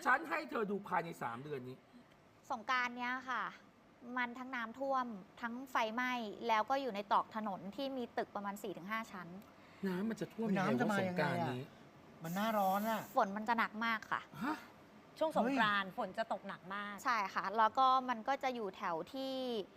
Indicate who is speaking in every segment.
Speaker 1: ฉันให้เธอดูภายใน3 เดือนนี้
Speaker 2: สงกรานต์เนี้ยค่ะ มันทั้งน้ำท่วมทั้งไฟไหม้แล้วก็อยู่ในตรอกถนนที่มีตึกประมาณ 4-5 ชั้น
Speaker 1: น้ำมันจะท่วมยังไงวะสงกรานต์นี้
Speaker 3: มันหน้าร้อนอะ
Speaker 2: ฝนมันจะหนักมากค่ะ
Speaker 4: ช่วงสงกรานต์ฝนจะตกหนักมาก
Speaker 2: ใช่ค่ะแล้วก็มันก็จะอยู่แถวที่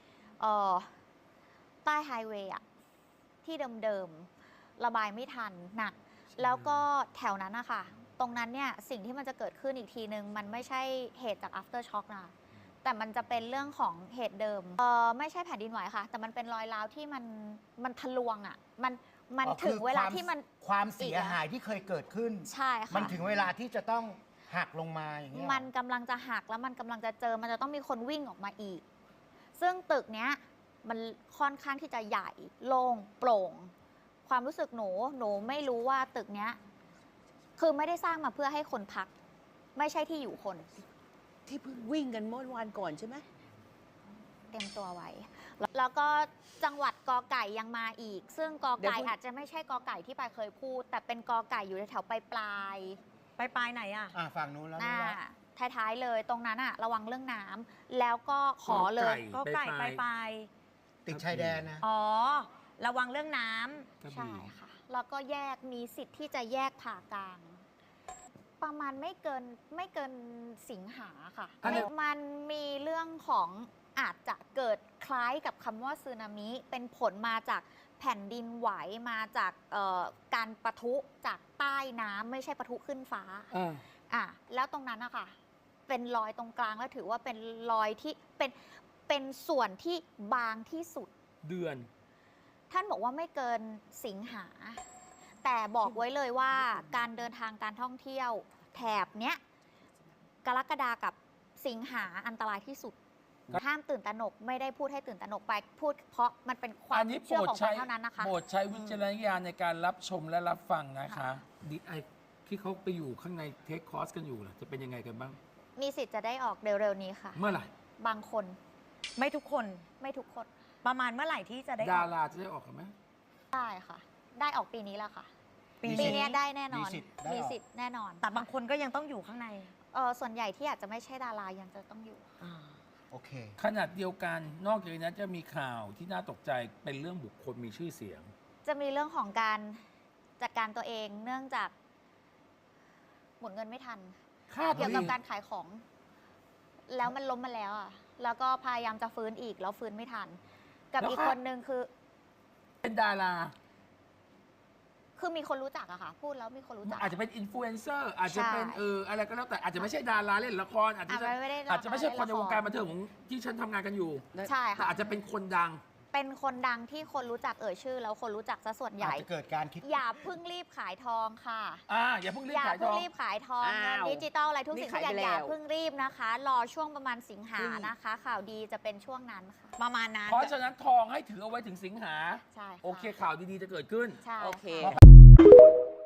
Speaker 2: ใต้ไฮเวย์อะที่เดิมๆระบายไม่ทันหนักแล้วก็แถวนั้นนะคะตรงนั้นเนี่ยสิ่งที่มันจะเกิดขึ้นอีกทีนึงมันไม่ใช่เหตุจาก after shock นะแต่มันจะเป็นเรื่องของเหตุเดิมไม่ใช่แผ่นดินไหวค่ะแต่มันเป็นรอยร้าวที่มันทะลวงอ่ะมันถึงเวลาที่มัน
Speaker 3: ความเสียหายที่เคยเกิดขึ้น
Speaker 2: ใช่ค่ะ
Speaker 3: มันถึงเวลาที่จะต้องหักลงมาอย่างเงี้ย
Speaker 2: มันกำลังจะหักแล้วมันกำลังจะเจอมันจะต้องมีคนวิ่งออกมาอีกซึ่งตึกเนี้ยมันค่อนข้างที่จะใหญ่โล่งโปร่งความรู้สึกหนูไม่รู้ว่าตึกเนี้ยคือไม่ได้สร้างมาเพื่อให้คนพักไม่ใช่ที่อยู่คน
Speaker 4: ที่เพิ่งวิ่งกันเมื่อวันก่อนใช่ไหม
Speaker 2: เตรียมตัวไว้แล้วก็จังหวัดกอไก่ยังมาอีกซึ่งกอไก่อาจจะไม่ใช่กอไก่ที่ปายเคยพูดแต่เป็นกอไก่อยู่ในแถวปลาย
Speaker 4: ไหนอ่ะ
Speaker 3: ฝั่งนู้นแล้ว
Speaker 2: ท้ายๆเลยตรงนั้นอะระวังเรื่องน้ำแล้วก็ขอเลย
Speaker 4: กอไก่ปลาย
Speaker 3: ติดชายแดนนะ
Speaker 4: อ๋อระวังเรื่องน้ำ
Speaker 2: ใช่ค่ะแล้วก็แยกมีสิทธิ์ที่จะแยกผ่ากลางประมาณไม่เกินสิงหาค่ะมันมีเรื่องของอาจจะเกิดคล้ายกับคำว่าสึนามิเป็นผลมาจากแผ่นดินไหวมาจากการปะทุจากใต้น้ำไม่ใช่ปะทุขึ้นฟ้าแล้วตรงนั้นนะคะเป็นรอยตรงกลางแล้วถือว่าเป็นรอยที่เป็นส่วนที่บางที่สุด
Speaker 1: เดือน
Speaker 2: ท่านบอกว่าไม่เกินสิงหาแต่บอกไว้เลยว่าการเดินทางการท่องเที่ยวแถบเนี้ยกรกฎากับสิงหาอันตรายที่สุดห้ามตื่นตระหนกไม่ได้พูดให้ตื่นตระหนกไปพูดเพราะมันเป็นความเชื่อของคนเท่านั้นนะคะ
Speaker 1: โปรดใช้วิจารณญาณในการรับชมและรับฟังนะคะดีไอที่เขาไปอยู่ข้างในเทคคอร์สกันอยู่ล่ะจะเป็นยังไงกันบ้าง
Speaker 2: มีสิทธิ์จะได้ออกเร็วๆนี้ค่ะ
Speaker 1: เมื่อไหร่
Speaker 2: บางคน
Speaker 4: ไม่ทุกคนประมาณเมื่อไหร่ที่จะได้
Speaker 1: ดาราจะได้ออกกันไหม
Speaker 2: ได้ค่ะได้ออกปีนี้แล้วค่ะปีนี้ได้แน่นอนมีสิทธิ์แน่นอน
Speaker 4: แต่บางคนก็ยังต้องอยู่ข้างใน
Speaker 2: ส่วนใหญ่ที่อาจจะไม่ใช่ดารายังจะต้องอยู่
Speaker 3: โอเค
Speaker 1: ขนาดเดียวกันนอกจากนั้นจะมีข่าวที่น่าตกใจเป็นเรื่องบุคคลมีชื่อเสียง
Speaker 2: จะมีเรื่องของการจัดการตัวเองเนื่องจากหมุนเงินไม่ทันเกี่ยวกับการขายของแล้วมันล้มมาแล้วอ่ะแล้วก็พยายามจะฟื้นอีกแล้วฟื้นไม่ทันกับอีกคนนึงคือ
Speaker 1: เป็นดารา
Speaker 2: คือมีคนรู้จักอะค่ะพูดแล้วมีคนรู้จัก
Speaker 1: อาจจะเป็นอินฟลูเอนเซอร์อาจจะเป็นอะไรก็แล้วแต่อาจจะไม่ใช่ดาราเล่นละครอาจจะไม่ใช่คนในวงการบันเทิงของที่ฉันทำงานกันอยู่
Speaker 2: ใช่ค่ะ
Speaker 1: อาจจะเป็นคนดัง
Speaker 2: เป็นคนดังที่คนรู้จักชื่อแล้วคนรู้จักซะส่วนใหญ่
Speaker 3: อาจจะเกิดการคิด
Speaker 2: อย่าเพิ่งรีบขายทองค่ะ
Speaker 1: อย่าเพิ่งรีบขายทอง
Speaker 2: เงินดิจิตอลอะไรทุกสิ่งทุกอย่างอย่าเพิ่งรีบนะคะรอช่วงประมาณสิงหานะคะข่าวดีจะเป็นช่วงนั้นค่ะ
Speaker 4: ประมาณนั้น
Speaker 1: เพราะฉะนั้นทองให้ถือเอาไว้ถึงสิงหา
Speaker 2: ใช่
Speaker 1: โอเคข่าวดีๆจะเกิดขึ้น
Speaker 2: ใช่
Speaker 4: โอเค